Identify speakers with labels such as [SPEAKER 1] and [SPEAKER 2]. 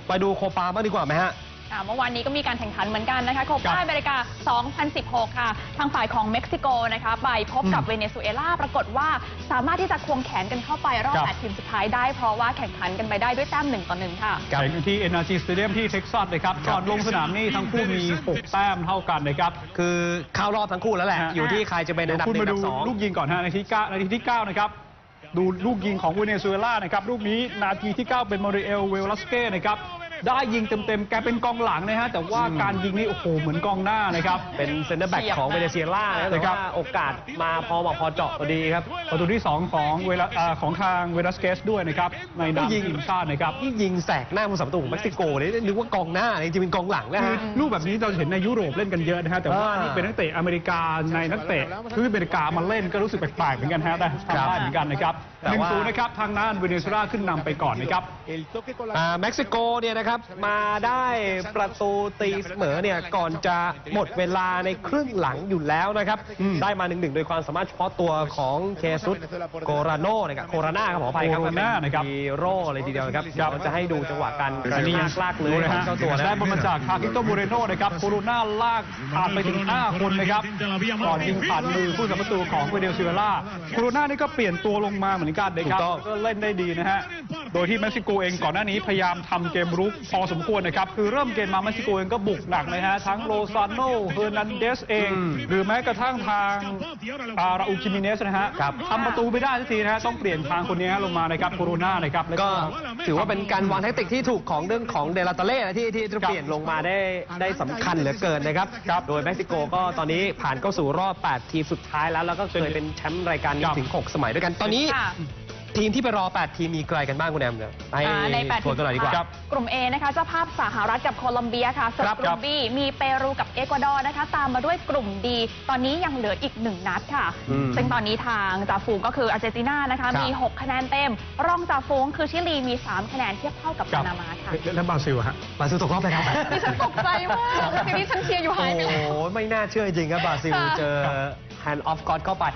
[SPEAKER 1] ไปดูโคปาบ้างดีกว่าไหมฮะ
[SPEAKER 2] เมื่อวานนี้ก็มีการแข่งขันเหมือนกันนะคะโคปาอเมริกา 2016 ค่ะทางฝ่ายของเม็กซิโกนะคะไปพบกับเวเนซุเอลาปรากฏว่าสามารถที่จะควงแขนกันเข้าไปรอบ8 ทีมสุดท้ายได้เพราะว่าแข่งขันกันไปได้ด้วยแต้ม1-1 ค่ะ
[SPEAKER 3] แข่งที่ NRG Stadium ที่เท็กซัสนะครับก่อนลงสนามนี่ทั้งคู่มี6แต้มเท่ากันนะครับ
[SPEAKER 1] คือเข้ารอบทั้งคู่แล้วแหละอยู่ที่ใครจะเป็นอันดับ1 อันดับ 2
[SPEAKER 3] ลูกยิงก่อนฮะนาทีที่ 9นะครับดูลูกยิงของเวเนซุเอลานะครับลูกนี้นาทีที่ 9 เป็นมาริเอลเวลัสเก้นะครับได้ยิงเต็มๆแกเป็นกองหลังนะฮะแต่ว่าการยิงนี่โอ้โหเหมือนกองหน้านะครับ
[SPEAKER 1] เป็นเซนเตอร์แบ็กของเวเนซุเอลาแต่ว่าโอกาสมาพอเจาะพอดีครับ
[SPEAKER 3] ประตูที่2ของทางเวลัสเกสด้วยนะครับในนามทีมชาตินะครับ
[SPEAKER 1] ที่ยิงแสกหน้าผู้สัมประตูของเม็กซิโกเลยนึกว่ากองหน้าจริงๆเป็นกองหลังนะฮะ
[SPEAKER 3] ลูกแบบนี้เราเห็นในยุโรปเล่นกันเยอะนะฮะแต่ว่านี่เป็นนักเตะอเมริกาในนักเตะทวีปอเมริกามาเล่นก็รู้สึกแปลกๆเหมือนกันฮะแต่ทำได้เหมือนกันนะครับ1-0นะครับทางด้านเวเนซุเอลาขึ้นนำไปก่อนนะครับ
[SPEAKER 1] เม็กซิโกเนี่ยนะครับมาได้ประตูตีเสมอเนี่ยก่อนจะหมดเวลาในครึ่งหลังอยู่แล้วนะครับได้มา 1-1 โดยความสามารถเฉพาะตัวของเคซุสโกราโน่นะครับโคราน่าครับขออภัยครับฮีโร่เลยทีเดียวครับเราจะให้ดูจังหวะการกระชากลากเลยของเจ้าตัว
[SPEAKER 3] ได้บอลมาจากคาคิโตโมเรโน่นะครับโคโรน่าลากผ่านไปถึง5 คนนะครับก่อนยิงผ่านมือผู้สัมประตูของเวเนซุเอลาโคโรน่านี่ก็เปลี่ยนตัวลงมาเหมือนกันนะครับก็เล่นได้ดีนะฮะโดยที่เม็กซิโกเองก่อนหน้านี้พยายามทำเกมรุกพอสมควรนะครับคือเริ่มเกมมาเม็กซิโกเองก็บุกหนักเลยฮะทั้งโลซานโนเฮอร์นันเดสเองหรือแม้กระทั่งทางราอูล จิมิเนสนะฮะทำประตูไม่ได้สักทีนะฮะต้องเปลี่ยนทางคนนี้ลงมานะครับโคโรน่านะครับ
[SPEAKER 1] ก็ถือว่าเป็นการวางแทคติกที่ถูกของเรื่องของเดลาตาเล่ที่เปลี่ยนลงมาได้สำคัญเหลือเกินนะครับโดยเม็กซิโกก็ตอนนี้ผ่านเข้าสู่รอบ8 ทีมสุดท้ายแล้วก็เคยเป็นแชมป์รายการนี้ถึง6 สมัยด้วยกันตอนนี้ทีมที่ไปรอ8 ทีมมีใครกันบ้างคุณแอมเนี่ย
[SPEAKER 2] ใน8 ทีม
[SPEAKER 1] กันหน่อยดีกว่
[SPEAKER 2] ากลุ่ม A นะคะเจ้าภาพสหรัฐกับโคลอมเบียค่ะส่วนกลุ่ม B มีเปรูกับเอกวาดอร์นะคะตามมาด้วยกลุ่ม D ตอนนี้ยังเหลืออีก1 นัดค่ะซึ่งตอนนี้ทางจ่าฝูงก็คืออาร์เจนตินานะคะมี6 คะแนนเต็มรองจ่าฝูงคือชิลีมี3 คะแนนเทียบเท่ากับปานามาค่ะ
[SPEAKER 3] แล้วบราซิลฮะ
[SPEAKER 1] บราซิลตกรอบไปครับ
[SPEAKER 2] ดิฉันตกใจมากทีนี้ฉันเชียร์อยู่หายไปแล้ว
[SPEAKER 1] โอ้ไม่น่าเชื่อจริงครับบราซิลเจอแฮนด์ออฟก็อดเข้าไป